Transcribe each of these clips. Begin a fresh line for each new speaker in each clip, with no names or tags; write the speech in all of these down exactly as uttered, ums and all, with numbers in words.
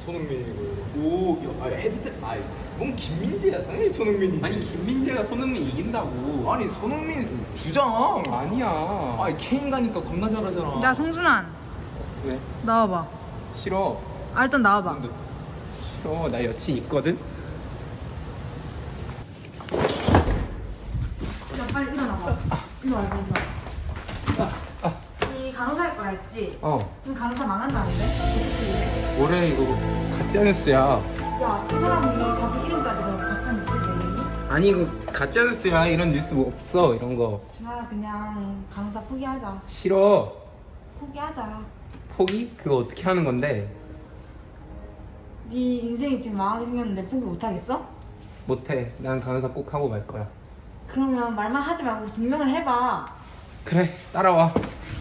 손흥민이고. 오, 야, 아, 헤드트, 아이, 뭔 김민재야? 당연히 손흥민이지.
아니 김민재가 손흥민 이긴다고.
아니 손흥민 주장.
아니야.
아니 케인 가니까 겁나 잘하잖아.
야 성준환
왜?
나와봐.
싫어.
아 일단 나와봐.
근데
싫어. 나 여친 있거든.
야 빨리 일어나봐. 일로 와 일로 와. 이 간호사 할 거야 했지?
어.
그럼 간호사 망한다는데?
뭐래 이거 가짜뉴스야.
야 그 사람이 자기 이름까지 그렇게 바탕 있을 때니?
아니 이거 가짜뉴스야. 이런 뉴스 뭐 없어 이런 거.
준아 그냥 간호사 포기하자.
싫어.
포기하자.
포기? 그거 어떻게 하는 건데?
네 인생이 지금 망하게 생겼는데 포기 못하겠어?
못해. 난 간호사 꼭 하고 말 거야.
그러면 말만 하지 말고 증명을 해봐.
그래 따라와.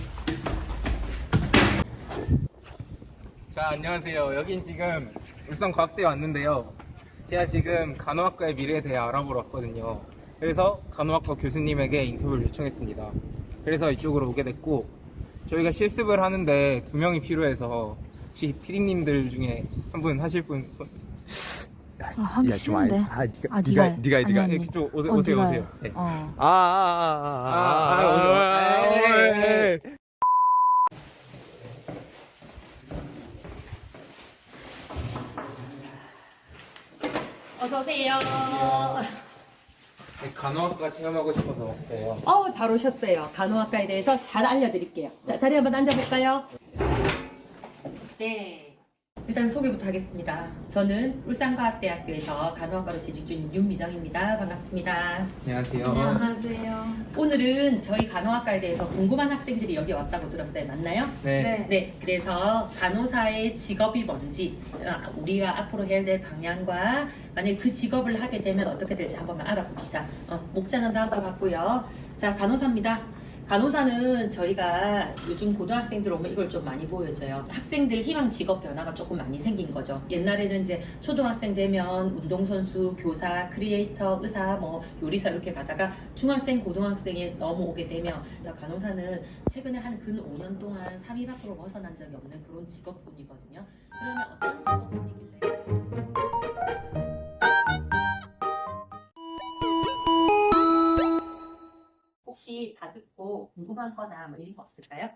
자 안녕하세요. 여긴 지금 울산과학대에 왔는데요. 제가 지금 간호학과의 미래에 대해 알아보러 왔거든요. 그래서 간호학과 교수님에게 인터뷰를 요청했습니다. 그래서 이쪽으로 오게 됐고, 저희가 실습을 하는데 두 명이 필요해서 혹시 피디님들 중에 한 분 하실 분 손...
아, 하기 싫은데.
아, 니가,
아,
니가,
니가 해.
니가, 해,
아니,
니가.
아니.
해.
이렇게 좀 오세요,
어,
오세요,
네가
오세요.
해.
네.
어.
아, 아, 아, 아, 아,
아,
오세요.
아,
어서 오세요.
네, 간호학과 체험하고 싶어서 왔어요.
어, 잘 오셨어요. 간호학과에 대해서 잘 알려드릴게요. 자, 자리 한번 앉아볼까요? 네. 일단 소개부터 하겠습니다. 저는 울산과학대학교에서 간호학과로 재직 중인 윤미정입니다. 반갑습니다.
안녕하세요.
안녕하세요.
오늘은 저희 간호학과에 대해서 궁금한 학생들이 여기 왔다고 들었어요. 맞나요?
네.
네, 그래서 간호사의 직업이 뭔지, 아, 우리가 앞으로 해야 될 방향과 만약에 그 직업을 하게 되면 어떻게 될지 한번 알아봅시다. 어, 목차는 다음과 같고요. 자, 간호사입니다. 간호사는 저희가 요즘 고등학생들 오면 이걸 좀 많이 보여줘요. 학생들 희망 직업 변화가 조금 많이 생긴 거죠. 옛날에는 이제 초등학생 되면 운동선수, 교사, 크리에이터, 의사, 뭐 요리사 이렇게 가다가 중학생, 고등학생에 넘어오게 되면 간호사는 최근에 한 근 오 년 동안 삼 위 밖으로 벗어난 적이 없는 그런 직업군이거든요. 그러면 어떤 직업군이길래? 혹시 다 듣고 궁금한 거나 뭐 이런 거 없을까요?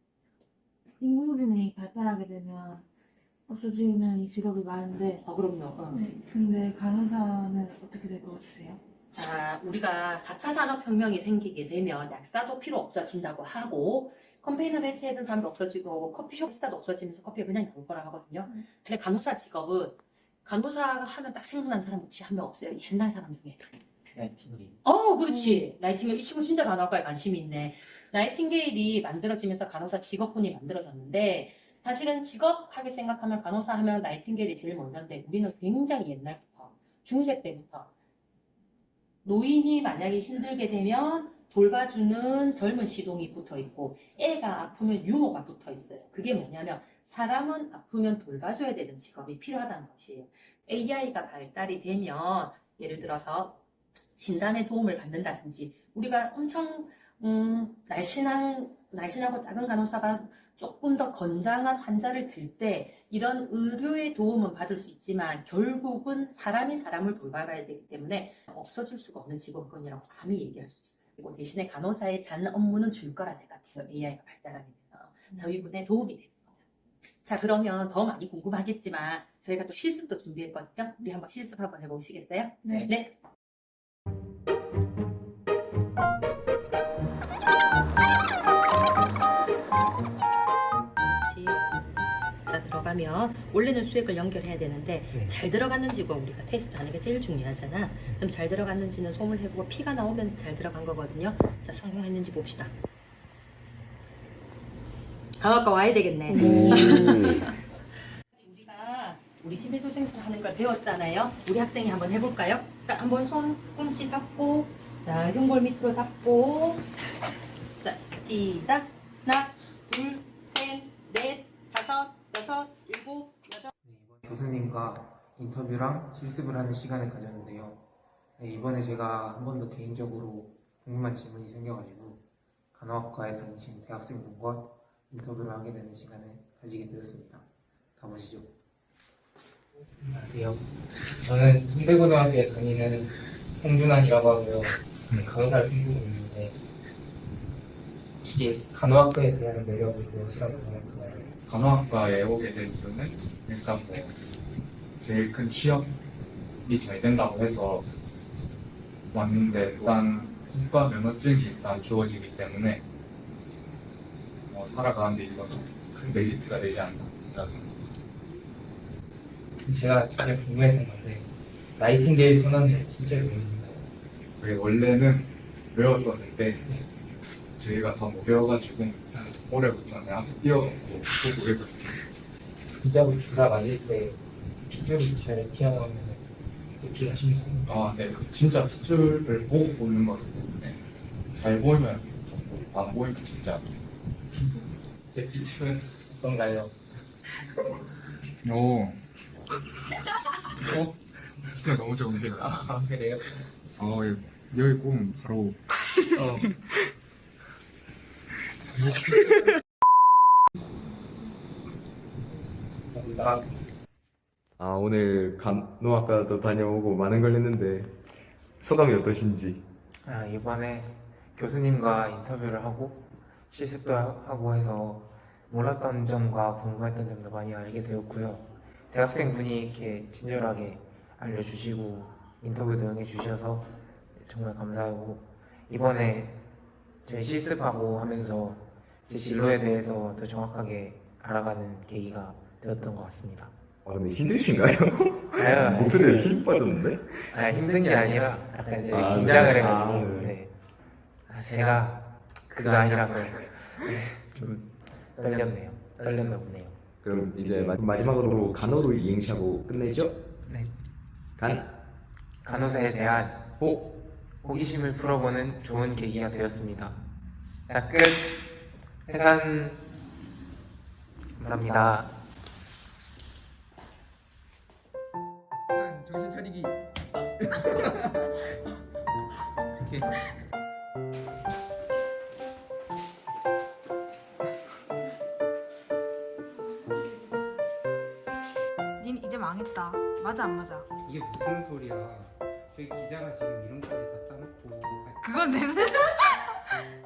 인공지능이 발달하게 되면 없어지는 직업이 많은데
어, 그럼요. 어.
네, 근데 간호사는 어떻게 될 것 같으세요?
자, 우리가 사 차 산업혁명이 생기게 되면 약사도 필요 없어진다고 하고 컨테이너 벨트 해던 사람도 없어지고 커피숍 스타도 없어지면서 커피가 그냥 나올 거라 하거든요.
음.
근데 간호사 직업은 간호사가 하면 딱 생각나는 사람 혹시 한 명 없어요? 옛날 사람 중에.
나이팅게일.
어, 그렇지. 나이팅게일. 이 친구 진짜 간호학과에 관심이 있네. 나이팅게일이 만들어지면서 간호사 직업군이 만들어졌는데 사실은 직업하게 생각하면 간호사 하면 나이팅게일이 제일 먼저인데 우리는 굉장히 옛날부터 중세 때부터 노인이 만약에 힘들게 되면 돌봐주는 젊은 시동이 붙어 있고 애가 아프면 유모가 붙어 있어요. 그게 뭐냐면 사람은 아프면 돌봐줘야 되는 직업이 필요하다는 것이에요. 에이아이가 발달이 되면 예를 들어서 진단에 도움을 받는다든지 우리가 엄청 음, 날씬한, 날씬하고 작은 간호사가 조금 더 건장한 환자를 들 때 이런 의료의 도움은 받을 수 있지만 결국은 사람이 사람을 돌봐야 되기 때문에 없어질 수가 없는 직업군이라고 감히 얘기할 수 있어요. 그리고 대신에 간호사의 잔 업무는 줄 거라 생각해요. 에이아이가 발달하게 되면. 저희 분에 도움이 되는 거죠. 자, 그러면 더 많이 궁금하겠지만 저희가 또 실습도 준비했거든요. 우리 한번 실습 한번 해보시겠어요?
네.
네. 자, 들어가면 원래는 수액을 연결해야 되는데
네.
잘 들어갔는지 고 우리가 테스트하는 게 제일 중요하잖아. 그럼 잘 들어갔는지는 솜을 해보고 피가 나오면 잘 들어간 거거든요. 자, 성공했는지 봅시다. 간호학과 와야 되겠네. 우리가 우리 심폐소생술 하는 걸 배웠잖아요. 우리 학생이 한번 해볼까요? 자, 한번 손 꿈치 잡고, 자, 흉골 밑으로 잡고, 자, 시작. 하나, 둘, 셋, 넷, 다섯, 여섯, 일곱, 여덟.
네, 이번 교수님과 인터뷰랑 실습을 하는 시간을 가졌는데요. 네, 이번에 제가 한 번 더 개인적으로 궁금한 질문이 생겨가지고 간호학과에 다니신 대학생분과 인터뷰를 하게 되는 시간을 가지게 되었습니다. 가보시죠. 안녕하세요. 저는 홍대고등학교에 다니는 홍준환이라고 하고요. 간호사를 꿈꾸고 있는데 혹시 간호학과에 대한 매력을 무엇이라고 생각하나요?
간호학과에 오게 된 이유는 일단 뭐 제일 큰 취업이 잘 된다고 해서 왔는데, 또한 국가 면허증이 일단 주어지기 때문에 뭐 살아가는 데 있어서 큰 메리트가 되지 않나 생각합니다.
제가 진짜 궁금했던 건데 나이팅게일 선언을 실제로 외우는가요?
그게 원래는 외웠었는데 저희가 다 못 외워가지고 올해부터는 앞에 띄워놓고 보고 외웠어요.
진짜로 주사 맞을 때 핏줄이 잘 튀어나오면 듣기가 신선해요.
아, 네. 그 진짜 핏줄을 보고 보는 거기 때문에 잘 보이면 좋고 안 보이면 진짜.
제 핏줄은 어떤가요?
오. 어? 진짜 너무 좋은데요.
아 그래요?
어, 여기 꼭 바로.
어. 감사합니다.
아, 오늘 간호학과도 다녀오고 많은 걸 했는데 소감이 어떠신지?
아, 이번에 교수님과 인터뷰를 하고 실습도 하- 하고 해서 몰랐던 점과 궁금했던 점도 많이 알게 되었고요. 대학생분이 이렇게 친절하게 알려주시고 인터뷰도 응해주셔서 정말 감사하고, 이번에 저희 실습하고 하면서 제 진로에 대해서 더 정확하게 알아가는 계기가 되었던 것 같습니다.
아, 근데 힘드신가요?
아유,
목소리에 힘 빠졌는데?
아, 힘든 게 아니라 약간 이제
아,
긴장을
네.
해가지고
아, 네.
네. 아, 제가 그거 아니라서 네, 좀 떨렸네요. 떨렸나 보네요.
그럼 이제 마- 마지막으로 간호로 이행시하고 끝내죠?
네.
간,
간호사에 대한
호,
호기심을 풀어보는 좋은 계기가 되었습니다. 자, 끝. 해산. 감사합니다. 정신 차리기.
닌 이제 망했다. 맞아 안 맞아?
이게 무슨 소리야? 저희 기자가 지금 이런까지 다 따놓고
그건 내